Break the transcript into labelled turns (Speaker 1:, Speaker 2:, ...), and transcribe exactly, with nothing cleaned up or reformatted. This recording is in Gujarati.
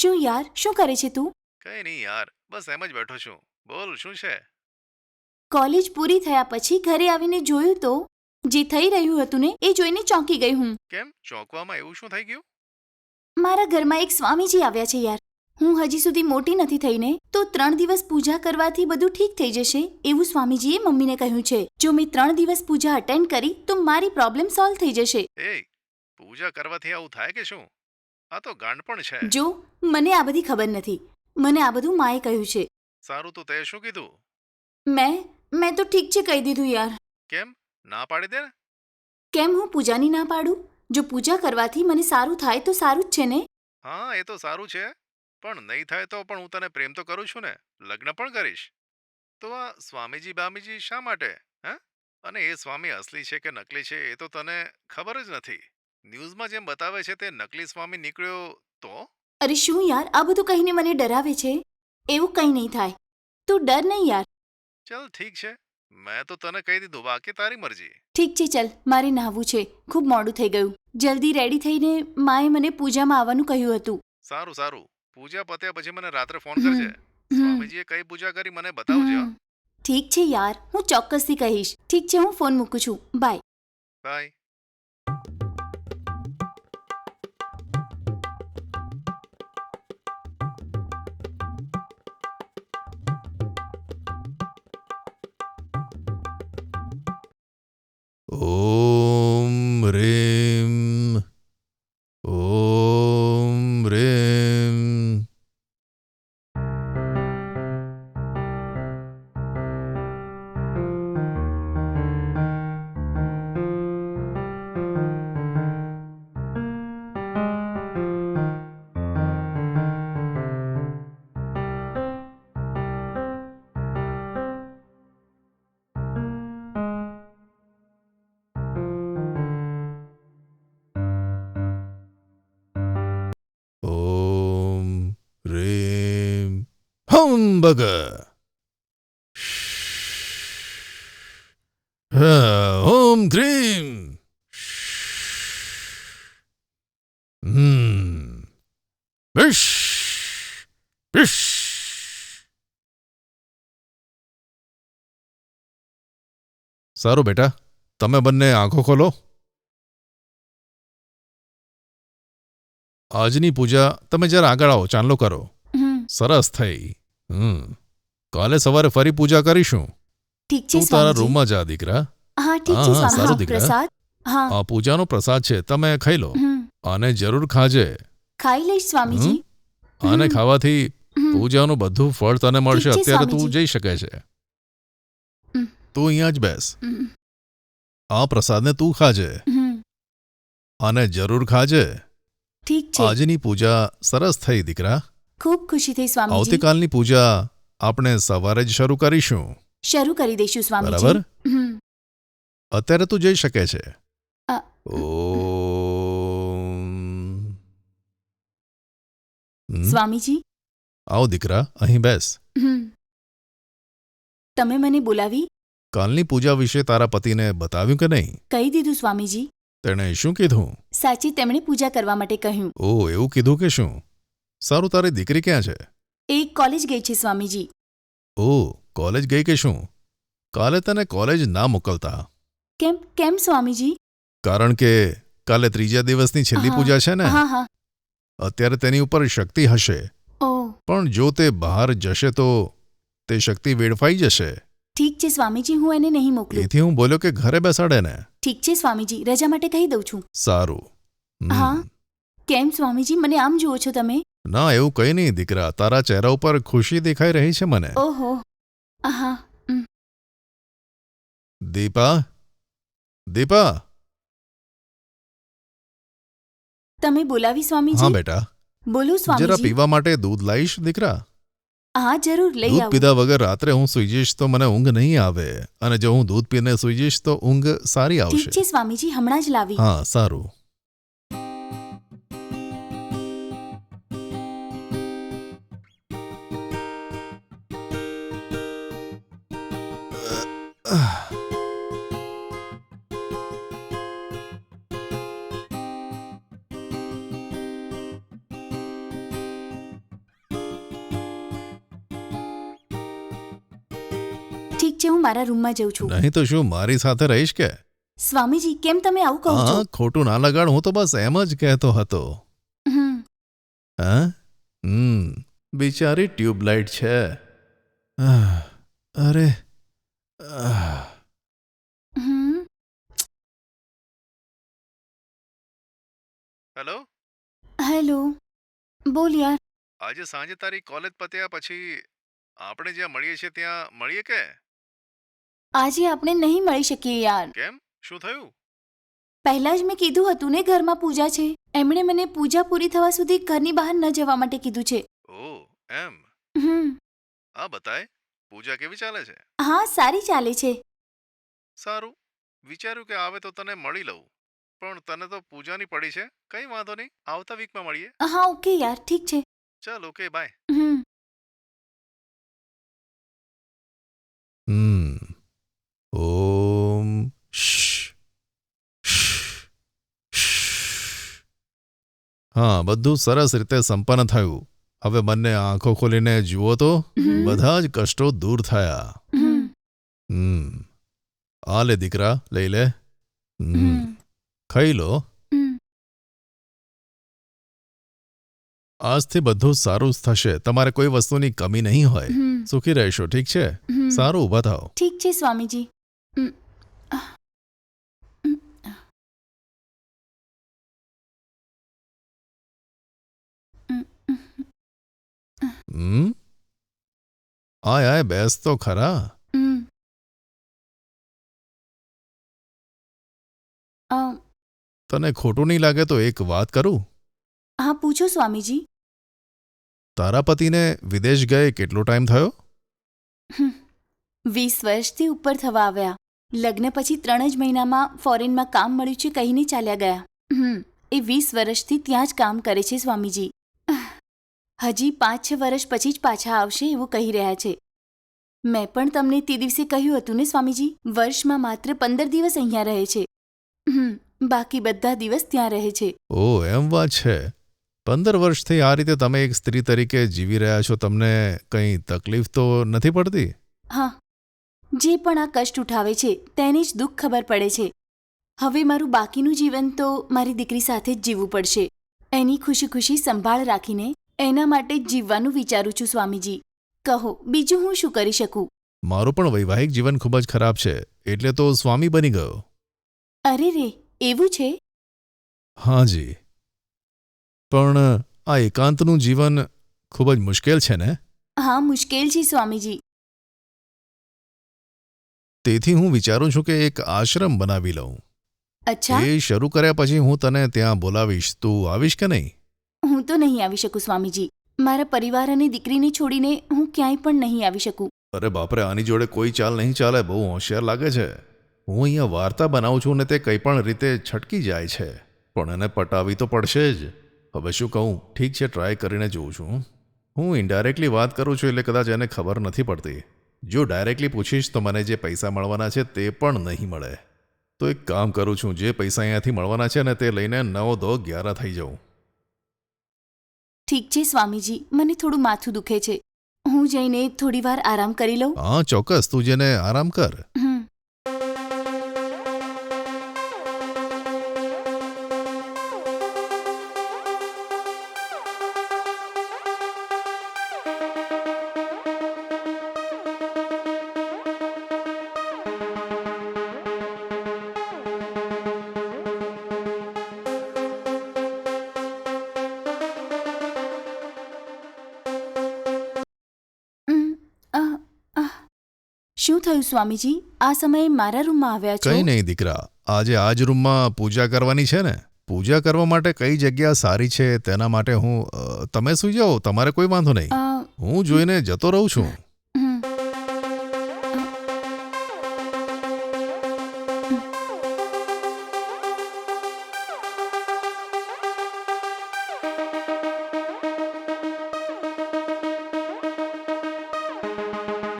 Speaker 1: શું યાર, શું કરે છે તું?
Speaker 2: કઈ નહીં યાર, બસ એમ જ બેઠો છું. બોલ શું છે?
Speaker 1: કોલેજ પૂરી થયા પછી ઘરે આવીને જોયું તો જે થઈ રહ્યું હતું ને એ જોઈને ચોંકી ગઈ હું.
Speaker 2: કેમ ચોંકવામાં એવું શું થઈ ગયું?
Speaker 1: મારા ઘરમાં એક સ્વામીજી આવ્યા છે યાર. હું હજી સુધી મોટી નથી થઈને તો ત્રણ દિવસ પૂજા કરવાથી બધું ઠીક થઈ જશે એવું સ્વામીજીએ મમ્મીને કહ્યું છે. જો મેં ત્રણ દિવસ પૂજા અટેન્ડ કરી તો મારી પ્રોબ્લેમ સોલ્વ થઈ જશે.
Speaker 2: એ પૂજા કરવાથી આવું થાય કે શું? આ તો ગાંડપણ છે.
Speaker 1: જો મને આ બધી ખબર નથી, મને આ બધું માએ કહ્યું છે.
Speaker 2: સારું, તો તે શું કીધું?
Speaker 1: મેં મેં તો ઠીક છે કહી દીધું યાર.
Speaker 2: કેમ ના પાડી દે ને?
Speaker 1: કેમ હું પૂજાની ના પાડું? જો પૂજા કરવાથી મને સારું થાય તો સારું જ છે ને.
Speaker 2: હા, એ તો સારું છે, પણ નહીં થાય તો પણ હું તને પ્રેમ તો કરું છું ને, લગ્ન પણ કરીશ. તો આ સ્વામીજી બામીજી શા માટે? હે? અને એ સ્વામી અસલી છે કે નકલી છે એ તો તને ખબર જ નથી. ન્યૂઝમાં જેમ બતાવે છે તે નકલી સ્વામી નીકળ્યો તો?
Speaker 1: અરે શું યાર, આ બધું કહીને મને ડરાવે છે. એવું કંઈ નહીં થાય, તું ડર નહીં યાર.
Speaker 2: ચલ ઠીક છે, મેં તો તને કહી દીધું, બાકી તારી મરજી.
Speaker 1: ઠીક છે, ચલ મારે નહાવું છે, ખૂબ મોડું થઈ ગયું. જલ્દી રેડી થઈને માએ મને પૂજામાં આવવાનું કહ્યું હતું.
Speaker 2: સારું સારું, પૂજા પત્યા પછી મને રાત્રે ફોન
Speaker 1: હમ,
Speaker 2: કરજે.
Speaker 1: હમ,
Speaker 2: સ્વામીજીએ કઈ પૂજા કરી મને બતાવજે. હો.
Speaker 1: હમ. ઠીક છે યાર, હું ચોક્કસથી કહીશ. ઠીક છે, હું ફોન મૂકું છું. બાય.
Speaker 2: બાય. ઓમ રેમ ઓમ રેમ. ઓમ રેમ હમ બગ. ઓમ ક્રીમ. હમ વિશ વિશ. સારું બેટા, તમે બંને આંખો ખોલો. આજની પૂજા તમે જરા આગળ આવો, ચાંદલો કરો.
Speaker 1: હમ,
Speaker 2: સરસ થઈ. હમ કાલે સવારે ફરી પૂજા કરીશું.
Speaker 1: ઠીક છે
Speaker 2: તું તારા
Speaker 1: સ્વામીજી.
Speaker 2: રૂમમાં જા દીકરા.
Speaker 1: હા ઠીક
Speaker 2: હા,
Speaker 1: છે
Speaker 2: હા,
Speaker 1: સ્વામી.
Speaker 2: સારું
Speaker 1: હા,
Speaker 2: દીકરા.
Speaker 1: પ્રસાદ. હા.
Speaker 2: આ પૂજાનો પ્રસાદ છે, તમે ખાઈ લો.
Speaker 1: હમ,
Speaker 2: આને જરૂર ખાજે.
Speaker 1: ખાઈ લઈશ સ્વામીજી.
Speaker 2: આને
Speaker 1: હમ,
Speaker 2: ખાવાથી
Speaker 1: હમ.
Speaker 2: પૂજાનું બધું ફળ તને મળશે.
Speaker 1: ઠીક છે,
Speaker 2: અત્યારે તું
Speaker 1: સ્વામીજી.
Speaker 2: જઈ શકે છે.
Speaker 1: હમ.
Speaker 2: તું અહીંયા જ બેસ.
Speaker 1: હમ,
Speaker 2: આ પ્રસાદને તું ખાજે.
Speaker 1: હમ.
Speaker 2: આને જરૂર ખાજે.
Speaker 1: ઠીક છે.
Speaker 2: આજની પૂજા સરસ થઈ દીકરા.
Speaker 1: ખૂબ ખુશી થઈ સ્વામીજી.
Speaker 2: આવતીકાલની પૂજા આપણે સવારે જ શરૂ કરીશું.
Speaker 1: શરૂ કરી દઈશું સ્વામીજી.
Speaker 2: બરાબર?
Speaker 1: હમ.
Speaker 2: અત્યારે તું જઈ શકે છે.
Speaker 1: અ,
Speaker 2: ઓમ. હમ?
Speaker 1: સ્વામીજી.
Speaker 2: આવ દીકરા, અહીં બેસ.
Speaker 1: હમ. તમે મને બોલાવી?
Speaker 2: કાલની પૂજા વિશે તારા પતિને બતાવ્યું કે નહીં?
Speaker 1: કહી દીધું સ્વામીજી.
Speaker 2: તેણે શું કીધું?
Speaker 1: સાચી તેમણે પૂજા કરવા માટે કહ્યું.
Speaker 2: ઓ, એવું કીધું કે શું? સારું, તારી દીકરી ક્યાં છે?
Speaker 1: એ કોલેજ ગઈ છે સ્વામીજી.
Speaker 2: ઓ, કોલેજ ગઈ કે શું? કાલે તને કોલેજ ના મોકલતા.
Speaker 1: કેમ કેમ સ્વામીજી?
Speaker 2: કારણ કે કાલે ત્રીજા દિવસની છેલ્લી
Speaker 1: હા,
Speaker 2: પૂજા છે ને.
Speaker 1: હા હા.
Speaker 2: અત્યારે તેની ઉપર શક્તિ હશે,
Speaker 1: ઓ
Speaker 2: પણ જો તે બહાર જશે તો તે શક્તિ વેડફાઈ જશે.
Speaker 1: ઠીક છે સ્વામીજી, હું એને નહીં મોકલું.
Speaker 2: એથી હું બોલ્યો કે ઘરે બેસાડે ને.
Speaker 1: ઠીક છે સ્વામીજી, રજા માટે કહી દઉં છું.
Speaker 2: સારું. હમ.
Speaker 1: હા. કેમ સ્વામીજી, મને આમ જુઓ છો તમે?
Speaker 2: ના, એવું કંઈ નહીં દીકરા, તારા ચહેરા ઉપર ખુશી દેખાઈ રહી છે મને.
Speaker 1: ઓહો. હા. ઉમ.
Speaker 2: દીપા, દીપા.
Speaker 1: તમે બોલાવી
Speaker 2: હા
Speaker 1: સ્વામીજી?
Speaker 2: બેટા,
Speaker 1: બોલો
Speaker 2: જરા
Speaker 1: સ્વામીજી.
Speaker 2: પીવા માટે દૂધ લાવીશ દીકરા?
Speaker 1: હા જરૂર લઈ
Speaker 2: દૂધ
Speaker 1: આવું.
Speaker 2: પીધા વગર રાત્રે હું સૂઈ જઈશ તો મને ઊંઘ નહીં આવે, અને જો હું દૂધ પીને સૂઈ જઈશ તો ઊંઘ સારી
Speaker 1: ઠીક
Speaker 2: આવશે.
Speaker 1: છે સ્વામીજી, હમણાં જ લાવી.
Speaker 2: હા, સારું.
Speaker 1: ઠીક છે, હું મારા રૂમમાં જઉં છું.
Speaker 2: નહીં તો શું મારી સાથે રહીશ કે?
Speaker 1: સ્વામીજી, કેમ તમે આવું કહો છો?
Speaker 2: હા, ખોટું ના લગાડ, હું તો બસ એમ જ કહેતો હતો.
Speaker 1: હમ
Speaker 2: હા હમ બિચારી ટ્યુબલાઇટ છે. આહ, અરે આહ.
Speaker 1: હમ
Speaker 2: હેલો,
Speaker 1: હેલો, બોલ યાર.
Speaker 2: આજે સાંજે તારી કોલેજ પત્યા પછી આપણે જ્યાં મળીએ છીએ ત્યાં મળીએ કે?
Speaker 1: આજે આપણે નહીં મળી શકીએ યાર.
Speaker 2: કેમ, શું થયું?
Speaker 1: પહેલા જ મેં કીધું હતું ને, ઘરમાં પૂજા છે. એમણે મને પૂજા પૂરી થવા સુધી ઘરની બહાર ન જવા માટે કીધું છે.
Speaker 2: ઓ એમ.
Speaker 1: હમ
Speaker 2: આ બતાય, પૂજા કેવી ચાલે છે?
Speaker 1: હા, સારી ચાલે છે.
Speaker 2: સારું, વિચાર્યું કે આવે તો તને મળી લઉં, પણ તને તો પૂજાની પડી છે. કંઈ વાંધો નહીં, આવતા વીકમાં મળીએ.
Speaker 1: હા, ઓકે યાર, ઠીક છે.
Speaker 2: ચાલ, ઓકે, બાય.
Speaker 1: હમ
Speaker 2: હમ ઓમ શ હા, બધું સરસ રીતે સંપન્ન થયું. હવે બંને આંખો ખોલીને જુઓ તો
Speaker 1: હમ.
Speaker 2: બધા જ કષ્ટો દૂર થયા.
Speaker 1: હમ
Speaker 2: હમ આ લે દીકરા, લઈ લે. હમ
Speaker 1: હમ
Speaker 2: ખાઈ લો.
Speaker 1: હમ
Speaker 2: આજથી બધું સારું જ થશે. તમારે કોઈ વસ્તુની કમી નહીં હોય.
Speaker 1: હમ
Speaker 2: સુખી રહેશો, ઠીક છે?
Speaker 1: હમ.
Speaker 2: સારું, ઊભા થાઓ.
Speaker 1: ઠીક છે સ્વામીજી. હમ. આહ. હમ. હમ.
Speaker 2: હમ આય આય, બેસ તો ખરા.
Speaker 1: હમ. અ,
Speaker 2: તને ખોટું નહીં લાગે તો એક વાત કરું?
Speaker 1: હા, પૂછો સ્વામીજી.
Speaker 2: તારા પતિને વિદેશ ગયે કેટલો ટાઈમ થયો?
Speaker 1: હમ. વીસ વર્ષથી ઉપર થવા આવ્યા. લગ્ન પછી ત્રણ જ મહિનામાં ફોરેનમાં કામ મળ્યું છે કહીને ચાલ્યા ગયા. હમ એ વીસ વર્ષથી ત્યાં જ કામ કરે છે સ્વામીજી. હજી પાંચ છ વર્ષ પછી જ પાછા આવશે એવું કહી રહ્યા છે. મેં પણ તમને તે દિવસે કહ્યું હતું ને સ્વામીજી, વર્ષમાં માત્ર પંદર દિવસ અહીંયા રહે છે. હમ બાકી બધા દિવસ ત્યાં રહે છે.
Speaker 2: ઓ એમ વાત છે. પંદર વર્ષથી આ રીતે તમે એક સ્ત્રી તરીકે જીવી રહ્યા છો. તમને કંઈ તકલીફ તો નથી પડતી?
Speaker 1: હા, જે પણ આ કષ્ટ ઉઠાવે છે તેને જ દુઃખ ખબર પડે છે. હવે મારું બાકીનું જીવન તો મારી દીકરી સાથે જ જીવવું પડશે. એની ખુશી ખુશી સંભાળ રાખીને એના માટે જ જીવવાનું વિચારું છું સ્વામીજી. કહો, બીજું હું શું કરી શકું?
Speaker 2: મારું પણ વૈવાહિક જીવન ખૂબ જ ખરાબ છે, એટલે તો સ્વામી બની ગયો.
Speaker 1: અરે રે, એવું છે?
Speaker 2: હાજી, પણ આ એકાંતનું જીવન ખૂબ જ મુશ્કેલ છે ને?
Speaker 1: હા, મુશ્કેલ છે સ્વામીજી.
Speaker 2: તેથી હું વિચારું છું કે એક આશ્રમ બનાવી લઉં.
Speaker 1: અચ્છા,
Speaker 2: એ શરૂ કર્યા પછી હું તને ત્યાં બોલાવીશ. તું આવીશ કે નહીં?
Speaker 1: હું તો નહીં આવી શકું સ્વામીજી. મારા પરિવાર અને દીકરીને છોડીને હું ક્યાંય પણ નહીં આવી શકું.
Speaker 2: અરે બાપરે, આની જોડે કોઈ ચાલ નહીં ચાલે. બહુ હોશિયાર લાગે છે. હું અહીંયા વાર્તા બનાવું છું ને તે કંઈ પણ રીતે છટકી જાય છે, પણ એને પટાવી તો પડશે જ. હવે શું કહું? ઠીક છે, ટ્રાય કરીને જોઉં છું. હું ઇનડાયરેક્ટલી વાત કરું છું એટલે કદાચ એને ખબર નથી પડતી. જો ડાયરેક્ટલી પૂછીશ તો મને જે પૈસા મળવાના છે તે પણ નહીં મળે. તો એક કામ કરું છું, જે પૈસા અહીંયાથી મળવાના છે ને તે લઈને નવ દો ગ્યારા થઈ જાઉં.
Speaker 1: ઠીક છે સ્વામીજી, મને થોડું માથું દુખે છે. હું જઈને થોડી વાર આરામ કરી લઉં.
Speaker 2: હા ચોક્કસ, તું જેને આરામ કર.
Speaker 1: હમ ઉમ, આહ, આહ. શું થયું સ્વામીજી? આ સમયે મારા રૂમમાં આવ્યા છો?
Speaker 2: કંઈ નહીં દીકરા, આજે આ જ રૂમમાં પૂજા કરવાની છે ને. પૂજા કરવા માટે કઈ જગ્યા સારી છે તેના માટે હું અ, તમે સુઈ જાઓ, તમારે કોઈ વાંધો નહીં.
Speaker 1: અ,
Speaker 2: હું જોઈને જતો રહું છું.